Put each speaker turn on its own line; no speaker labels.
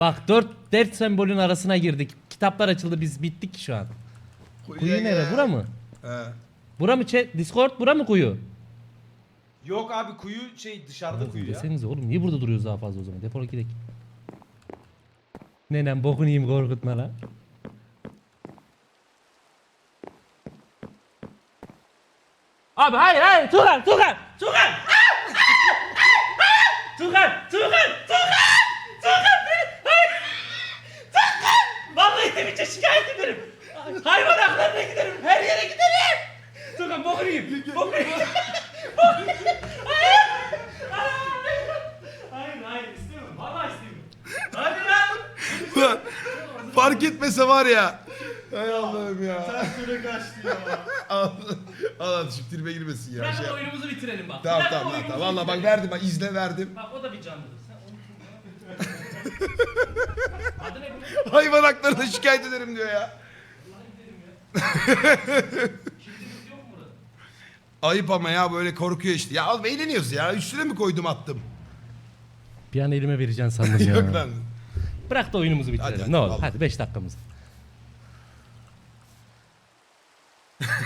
Bak dört sembolün arasına girdik. Kitaplar açıldı, biz bittik şu an. Kuyu nere? Bura mı?
He.
Bura mı Discord? Bura mı kuyu?
Yok abi kuyu dışarıda kuyu ya.
Desenize oğlum, niye burada duruyoruz daha fazla o zaman? Defol gidelim. Nenem bokunu yiyeyim, korkutma lan. Abi hayır Tuğkan. Tuğkan! Tuğkan beni hayır. Tuğkan! Vallahi Twitch'e şikayet ederim. Hayvan haklarına giderim. Her yere giderim. Tuğkan bokunu yiyeyim. Bokunu yiyeyim. Hayır istemiyorum. Vallahi istemiyorum. Hadi lan.
Fark etmese var ya. Hay Allah'ım ya.
Sen süre kaçtı ya.
Allah şimdi tribe girmesin ya.
Bırakın oyunumuzu bitirelim bak.
Tamam
Bırakın
tamam
oyunumuzu
tamam. Valla bak
bitirelim.
verdim, bak izle verdim.
Bak o da bir canlıdır. Sen onu Adı ne bu?
Hayvan haklarına şikayet ederim diyor ya.
Kimsiniz yok mu burada?
Ayıp ama ya, böyle korkuyor işte. Ya oğlum eğleniyoruz ya. Üstüne mi koydum attım?
Bir an elime vereceksin sandım ya.
Yok lan.
Bırak da oyunumuzu bitirelim.
Hadi,
ne olur.
vallahi.
Hadi 5 dakikamız.